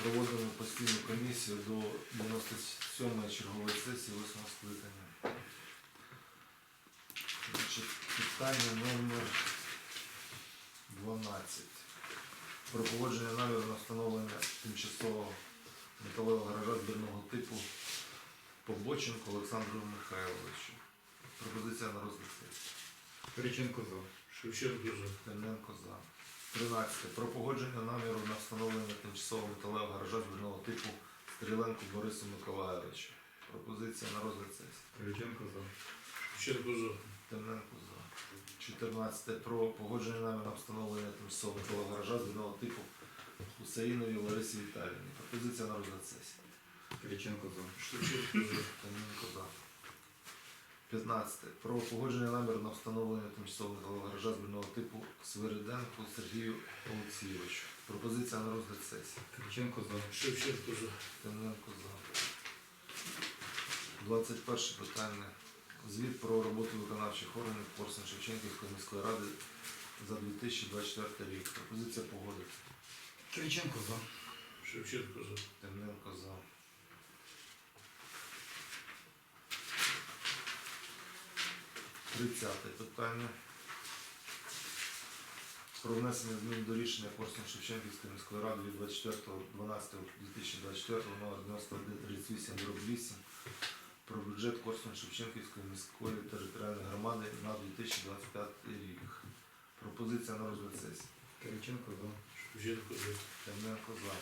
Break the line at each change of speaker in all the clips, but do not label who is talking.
Проводимо постійну комісію до 97-ї чергової сесії 8-го скликання. Значить, питання номер 12. Про погодження наміру на встановлення тимчасового металевого гаража збірного типу Побоченко Олександру Михайловичу. Пропозиція на розгляд сесії.
Кириченко за.
Шевченко за.
Темненко за. 13. Про погодження наміру на встановлення тимчасового металевого гаража збірного типу Стріленку Борису Миколайовичу. Пропозиція на розгляд сесії.
Кириченко за.
Шевченко за.
Темненко за. 14. Про погодження наміру на встановлення тимчасового металевого гаража збірного типу Хусаїновій Ларисі Віталіївні. Пропозиція на розгляд сесії.
Кириченко за.
Шевченко за.
Темненко за. 15. Про погодження наміру на встановлення тимчасового металевого гаража збірного типу Свириденку Сергію Олексійовичу. Пропозиція на розгляд сесії.
Кириченко за.
Шевченко за.
Темненко за. 21 питання. Звіт про роботу виконавчих органів Корсунь-Шевченківської міської ради за 2024 рік. Пропозиція погодити.
Кириченко за.
Шевченко за.
Темненко за. 30 питання. Про внесення змін до рішення Корсунь-Шевченківської міської ради від 24.12.2024 номер 9138/8 про бюджет Корсунь-Шевченківської міської територіальної громади на 2025 рік. Пропозиція на розгляд сесії.
Кириченко за.
Шевченко за.
Темненко за.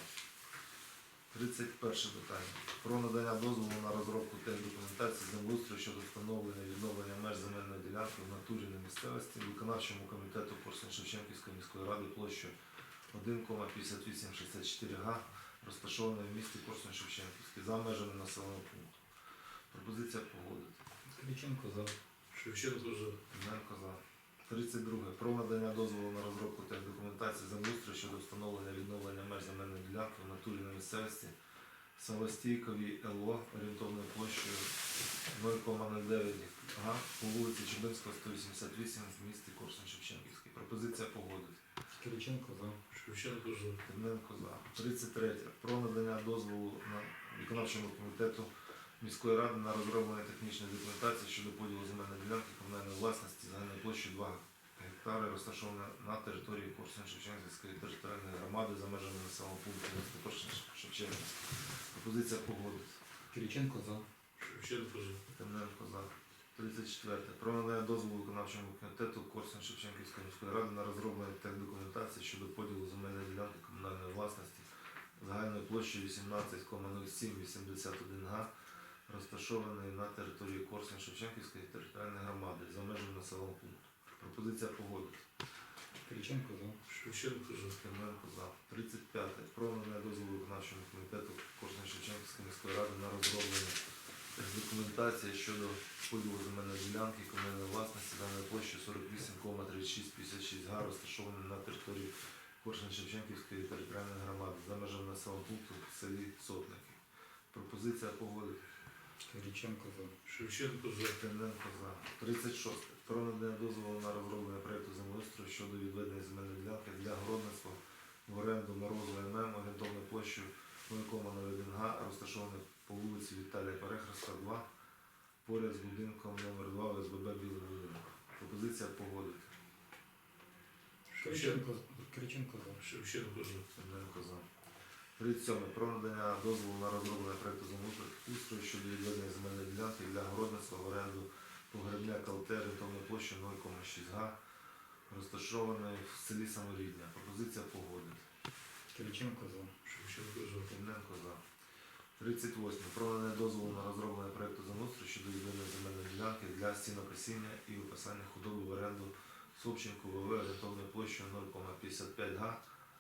31 питання. Про надання дозволу на розробку техдокументації землеустрою щодо встановлення і відновлення меж земельної ділянки в натурі на місцевості виконавчому комітету Корсунь-Шевченківської міської ради площею 1,5864 га, розташованої в місті Корсунь-Шевченківський за межами населеного пункту. Пропозиція погодити.
Кириченко за.
Шевченко за.
Темненко за. 32. Про надання дозволу на розробку техдокументації землеустрою щодо встановлення і відновлення меж земельної ділянки в натурі на місцевості Самостійковій ЛО орієнтовною площею 0,09 га по вулиці Чубинського, 188 в місті Корсунь-Шевченківський. Пропозиція погодити.
Кириченко за.
Шевченко за.
Темненко за. 33. Про надання дозволу на виконавчому комітету міської ради на розроблення технічної документації щодо поділу земельної ділянки комунальної власності загальною площею 2 гектари, розташована на території Корсунь-Шевченківської територіальної громади за межами населеного пункту міста Корсунь-Шевченківський. Пропозиція погодити.
Кириченко за.
Шевченко за.
Темненко за. 34. Про надання дозволу виконавчому комітету Корсунь-Шевченківської міської ради на розроблення техдокументації щодо поділу земельної ділянки комунальної власності загальною площею 18,0781 га, розташований на території Корсунь-Шевченківської територіальної громади за межами населеного пункту. Пропозиція погодити.
Кириченко за.
Шевченко за.
Темненко за. 35. Про надання дозволу виконавчому комітету Корсунь-Шевченківської міської ради на розроблення документації щодо поділу земельної ділянки комунальної власності даної площі 48,3656 га, розташованої на території Корсунь-Шевченківської територіальної громади за межами населеного пункту в селі Сотники. Пропозиція погодити.
Кириченко за.
Шевченко за.
Темненко за. 36. Про надання дозволу на розроблення проєкту землеустрою щодо відведення земельної ділянки для городництва в оренду Морозу ММ орієнтовною площею 0,01 га, розташованою по вулиці Віталія Перехреста, 2, поряд з будинком номер 2 ОСББ Білий будинок. Пропозиція погодити.
Кириченко за.
Шевченко за.
Темненко за. 37. Про надання дозволу на розроблення проєкту землеустрою щодо відведення земельної ділянки для городництва в оренду погребня КЛТ орієнтовною площею 0,6 га, розташованої в селі Саморідня. Пропозиція погодити.
Кириченко за.
Шевченко за.
Темненко за. 38. Про надання дозволу на розроблення проєкту землеустрою щодо відведення земельної ділянки для сінокосіння і випасання худоби в оренду Собченку ВВ орієнтовною площею 0,55 га,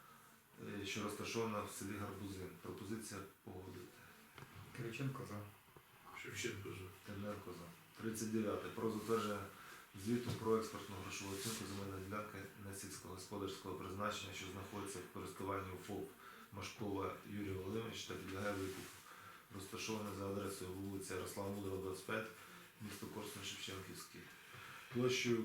що розташована в селі Гарбузин. Пропозиція погодити.
Кириченко за.
Шевченко за.
Темненко за. 39. Про затвердження звіту про експортну грошову оцінку земельної ділянки несільськогосподарського призначення, що знаходиться в користуванні у ФОП Машкова Юрій Володимирович та підлягає викупу, розташоване за адресою вулиця Ярослава Мудрого, 25, місто Корсунь-Шевченківський, площею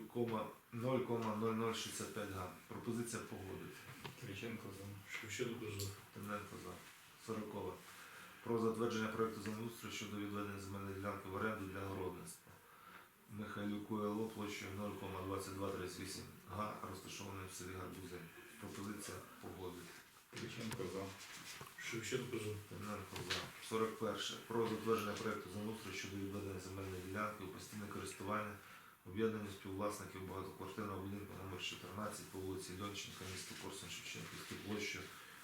0,0065 га. Пропозиція погодити.
Кириченко за.
Шевченко за.
Темненко за. 40. Про затвердження проекту землеустрою щодо відведення земельної ділянки в оренду для городництва. Михайлюку ЛО площею 0,2238 га, розташованої в селі Гарбузин. Пропозиція погодити.
Кириченко за.
Шевченко за.
Тимненко за. 41. Про затвердження проекту землеустрою щодо відведення земельної ділянки у постійне користування об'єднанню співвласників багатоквартирного будинку номер 14 по вулиці Льонченка, місто Корсунь-Шевченківський площею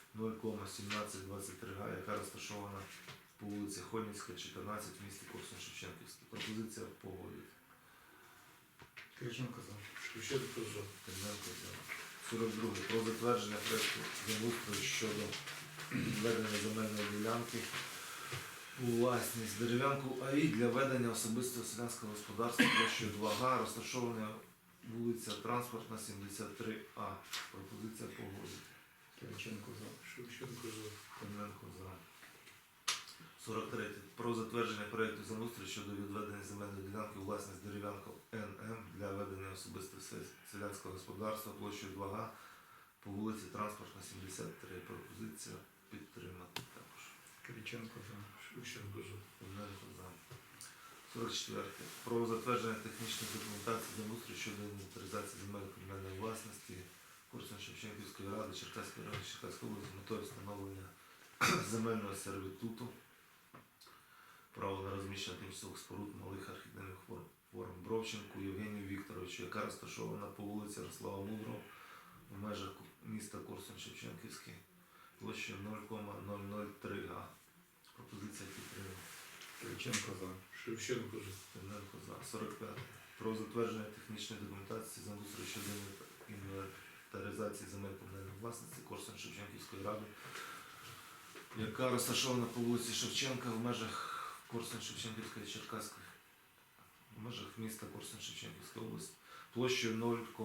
0,1723 га, яка розташована по вулиці Хонівська, 14 в місті Корсунь-Шевченківський. Пропозиція погодити.
Кириченко за.
Шевченко за.
Тимненко за. 42. Про затвердження проекту землеустрою щодо відведення земельної ділянки у власність дерев'янку АІ для ведення особистого селянського господарства площею 2 га, розташована вулиця Транспортна, 73А. Пропозиція погодити.
Кириченко за.
Шевченко за.
Тимненко за. 43. Про затвердження проекту землеустрою щодо відведення земельної ділянки у власність дерев'янку НМ для ведення особистого селянського господарства площею 2 га по вулиці Транспортна, 73. Пропозиція підтримати також.
Кириченко за.
Шевченко за.
Тимненко за. 44. Про затвердження технічної документації землеустрою щодо інвентаризації земель комунальної власності Корсунь-Шевченківської ради Черкаської ради Черкаської області з метою встановлення земельного сервітуту, право на розміщення тимчасових споруд малих архітектурних форм Бровченку Євгенію Вікторовичу, яка розташована по вулиці Ярослава Мудрого в межах міста Корсунь-Шевченківський площею 0,003 га. Пропозиція підтримана.
Кириченко за.
Шевченко за.
Тимненко за. 45. Про затвердження технічної документації землеустрою щодо інвентаризації земель комунальної власності Корсунь-Шевченківської ради, яка розташована по вулиці Шевченка в межах Корсунь-Шевченківської Черкаської, в межах міста Корсунь-Шевченківської області, площею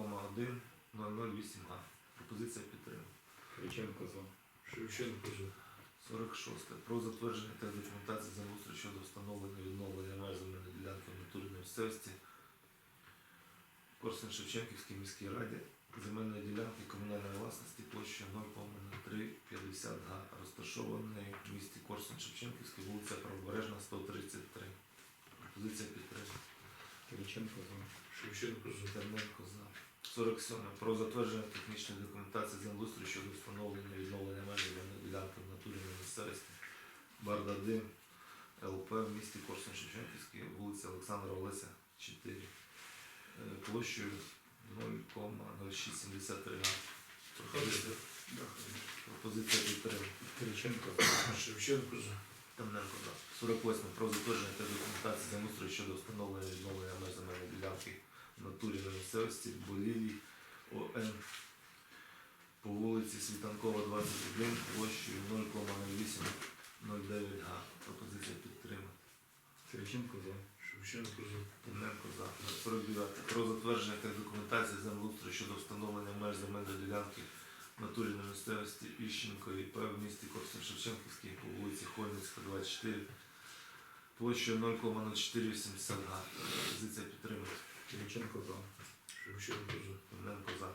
0,1008 га. Пропозиція підтримана.
Кириченко за.
Шевченко за.
46. Про затвердження та документації землеустрою щодо встановлення відновлення меж земельної ділянки в натурі на місцевості Корсунь-Шевченківській міській раді земельної ділянки комунальної власності площею 0,0350 га, розташованої в місті Корсунь-Шевченківській, вулиця Правобережна, 133. Пропозиція підтримана.
Кириченко за.
Шевченко за.
Тимненко за. 47. Про затвердження технічної документації землеустрою щодо встановлення і відновлення меж земельної ділянки в натурі на місцевості Бардадим ЛП в місті Корсунь-Шевченківській, вулиця Олександра Олеся, 4. Площею 0,0673 га. Пропозиція підтримана.
Кириченко за.
Шевченко за.
Тимненко за. 48. Про затвердження та документації землеустрою щодо встановлення і відновлення меж земельної ділянки в натурі на місцевості Болілій ОН по вулиці Світанкова, 21, площею 0,0809 га. Пропозиція підтримана.
Кириченко за.
Шевченко за.
Тимненко за. 49. Про затвердження та документації землеустрою щодо встановлення меж земельної ділянки в натурі на місцевості Іщенко ІП в місті Корсунь-Шевченківський по вулиці Хольницька, 24, площею 0,0480 га. Пропозиція підтримана.
Кириченко за.
Шевченко за.
Тимненко за.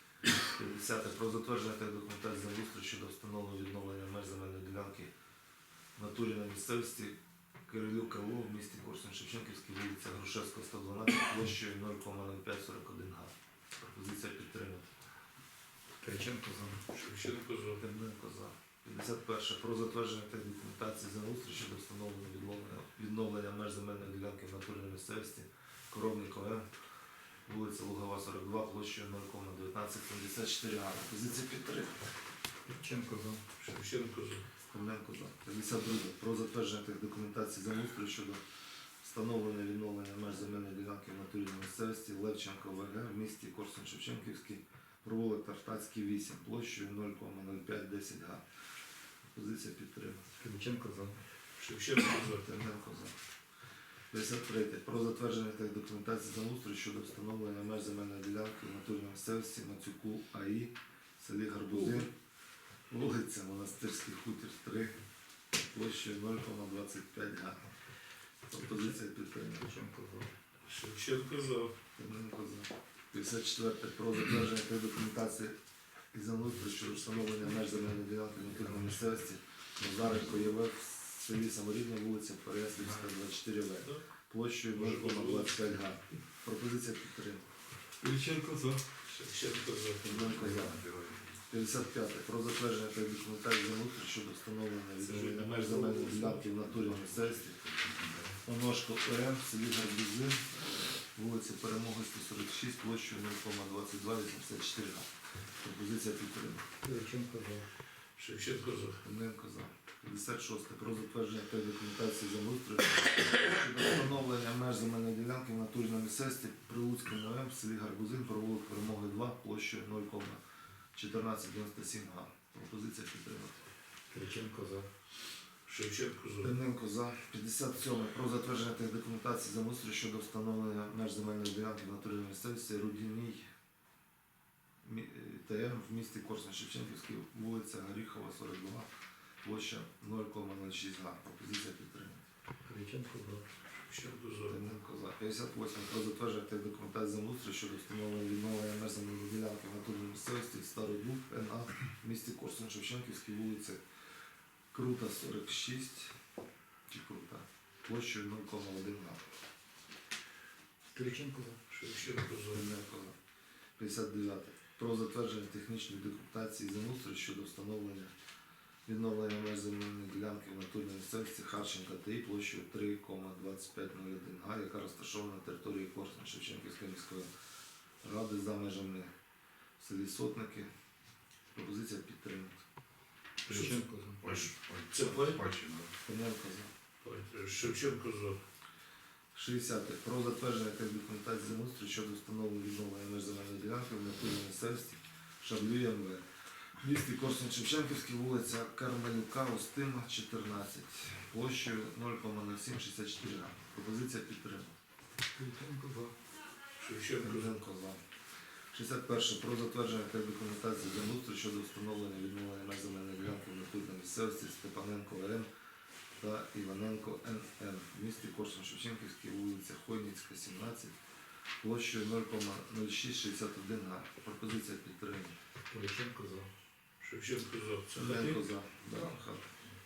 50. Про затвердження та документації землеустрою щодо встановлення відновлення меж земельної ділянки в натурі на місцевості Кирилюк ЛО в місті Корсунь-Шевченківській, вулиця Грушевська, 112, площею 0,0541 га. Пропозиція підтримана.
Кириченко за.
Шевченко за.
Тимненко за. 51. Про затвердження та документації землеустрою щодо встановлення відновлення меж земельної ділянки в натурі на місцевості Коровник ОМ, вулиця Лугова, 42, площею 0,1974 га. Пропозиція підтримана.
Кириченко за.
Шевченко за.
Тимненко за. 52. Про затвердження тих документацій землеустрою щодо встановлення і відновлення меж земельної ділянки в натурі на місцевості Левченко ВГ в місті Корсунь-Шевченківський, провулок Тартацький, 8, площею 0,0510 га. Пропозиція підтримана.
Кириченко за.
Шевченко за.
Тимненко за. 53. Про затвердження тих документацій землеустрою щодо встановлення меж земельної ділянки в натурі на місцевості Мацюку АІ в селі Гарбузин, вулиця Монастирський хутір, 3, площею 0,25 га. Пропозиція підтримана.
Кириченко за.
Шевченко за.
Тимненко за. 54. Про затвердження тих документацій і землеустрою щодо встановлення меж земельної ділянки в натурі на місцевості Назаренко ЄВ в селі Саморідна, вулиця Переяслівська, 24В. Площею 0,25 га. Пропозиція підтримана.
Кириченко за.
Шевченко за.
Тимненко за. 55. Про затвердження та документації землеустрою щодо встановлення відновлення меж земельної ділянки в натурі на місцевості. Оношко ОМ в селі Гарбузи, вулиця Перемоги 146, площею 0,2284 га. Пропозиція підтримана.
Кириченко за.
Шевченко за.
Тимненко за. 56. Про затвердження та документації землеустрою щодо встановлення меж земельної ділянки в натурі на місцевості Прилуцькому ОМ в селі Гарбузин, провулок Перемоги 2, площею 0,1497 га. Пропозиція підтримана.
Кириченко за.
Шевченко за.
Тимненко за. 57. Про затвердження тих документацій землеустрою щодо встановлення меж земельної ділянки в натурі на місцевості Рудіній ТМ в місті Корсунь-Шевченківський, вулиця Горіхова, 42, площа 0,06 га. Пропозиція підтримана.
Кириченко за.
Шевченко за.
Тимненко за. 58. Про затвердження тих документацій землеустрою щодо встановлення відновлення меж земельної ділянки в натурі на місцевості Стародуб НА в місті Корсунь-Шевченківський, вулиця Крута, 46, чи Крута, площею 0,1 га.
Кириченко за.
Шевченко за.
Тимненко за. 59. Про затвердження технічної документації землеустрою щодо встановлення відновлення меж земельної ділянки в натурі на місцевості Харченка ТІ площею 3,2501 га, яка розташована на території Корсунь-Шевченківської міської ради за межами в селі Сотники. Пропозиція підтримана.
Кириченко за.
Це плей?
Тимненко за.
Шевченко за.
60. Про затвердження тих документацій землеустрою щодо встановлення відновлення меж земельної ділянки в натурі на місцевості Шаблю МВ. В місті Корсунь-Шевченківський, вулиця Кармелюка, Устима, 14, площею 0,0764 га. Пропозиція підтримана.
Кириченко за.
Шевченко за.
Тимненко за. 61. Про затвердження тих документацій землеустрою щодо встановлення відновлення меж земельної ділянки в натурі на місцевості Степаненко ВН та Іваненко НН в місті Корсунь-Шевченківський, вулиця Хойницька, 17, площею 0,0661 га. Пропозиція підтримана.
Кириченко за.
Шевченко за. Це
Тимненко
хати?
за. Да, хата.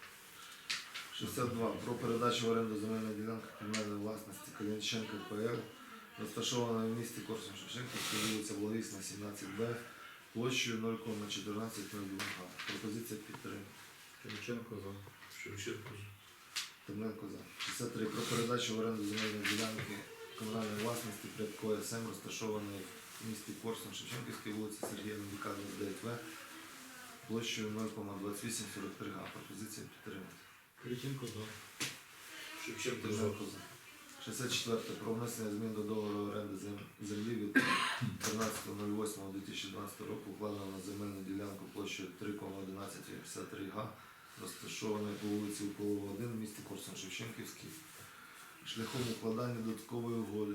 62. Про передачу в оренду земельної ділянки комунальної власності Калінченко ПЛ, розташована в місті Корсунь-Шевченківський, вулиця Благовісна, 17Б, площею 0,1402 га. Пропозиція підтримана.
Кириченко за.
Шевченко за.
Тимненко за. 63. Про передачу в оренду земельної ділянки комунальної власності Прядко СМ, розташованої в місті Корсунь-Шевченківській, вулиця Сергія Левіка, 29В, площею 0,2843 га. Пропозиція підтримана.
Кириченко за.
Шевченко за.
Тимненко за. 64. Про внесення змін до договору оренди землі від 13.08.2012 року, укладено на земельну ділянку площею 3,1153 га, розташованої по вулиці Уколова, 1 в місті Корсунь-Шевченківський, шляхом укладання додаткової угоди.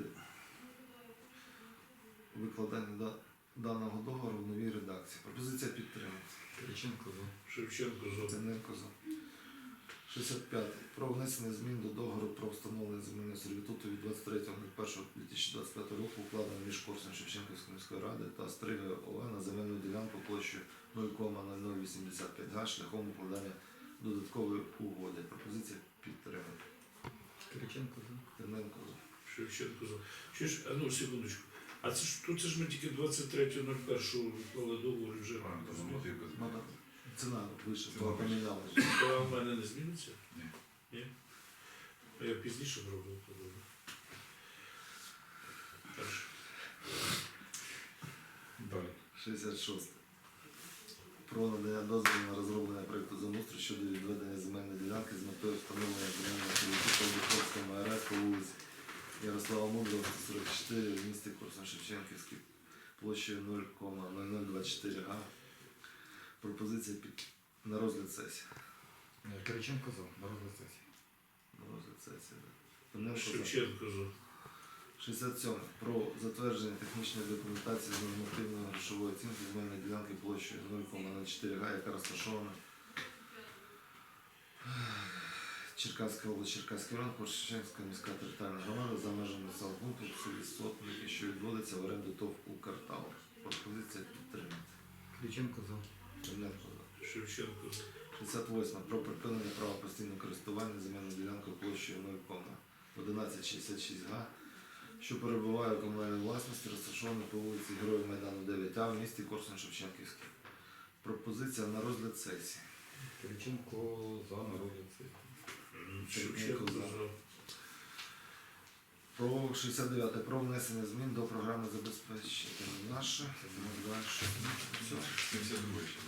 Викладання даного договору в новій редакції. Пропозиція підтримана.
Кириченко за.
Шевченко за.
Тимненко за. 65. Про внесення змін до договору про встановлення земельного сервітуту від 23.01.2025 року, укладено між Корсунь-Шевченківської міської ради та Стрига ОВ на земельну ділянку площею 0,0085 га шляхом укладання додаткової угоди. Пропозиція підтримана.
Кириченко за.
Тимненко за.
Шевченко за. Чуєш, а ну секундочку. А це ж тут це ж ми тільки 23.01 уклали договор і вже.
Ну, так, ціна вище,
Ціна вище.
помінялася.
А в мене не зміниться?
Ні.
Ні? А я пізніше зроблю то добре. Хорошо.
Далі.
66. Про надання дозволу на розроблення проєкту землеустрою щодо відведення земельної ділянки з метою встановлення земельного сервітуту в Духовському АРС по вулиці Ярослава Мудрого, 144 в місті Корсунь-Шевченківський, площею 0,0024 га. Пропозиція на розгляд сесії.
Кириченко за. На розгляд сесії.
На розгляд сесії. Да. Тимненко за.
Шевченко за.
67. Про затвердження технічної документації з нормативної грошової оцінки земельної ділянки площею 0,04 га, яка розташована Черкаська область, Черкаський район, Корсунь-Шевченківська міська територіальна громада за межами населеного пункту в селі Сотники, що відводиться в оренду ТОВ «Укртау». Пропозиція підтримати.
Кириченко за.
Тимненко за.
Шевченко за.
68. Про припинення права постійного користування земельною ділянкою площею 0,1166 га, що перебуває у комунальній власності, розташованій по вулиці Героїв Майдану 9А в місті Корсунь-Шевченківський. Пропозиція на розгляд сесії.
Кириченко за, на розгляд сесії.
Шевченко за.
Про 69. Про внесення змін до програми забезпечення наше. Далі. Все.
72 ще.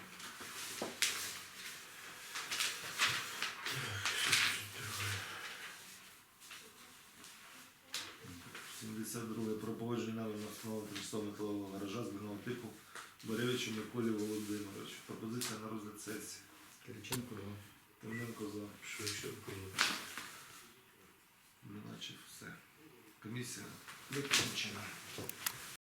72. Про погодження основного тимчасового металового гаража збірного типу Боревичу Миколі Володимировичу. Пропозиція на розгляд сесії.
Кириченко за.
Тимненко за.
Шевченко за.
Наче все. Комісія виключена.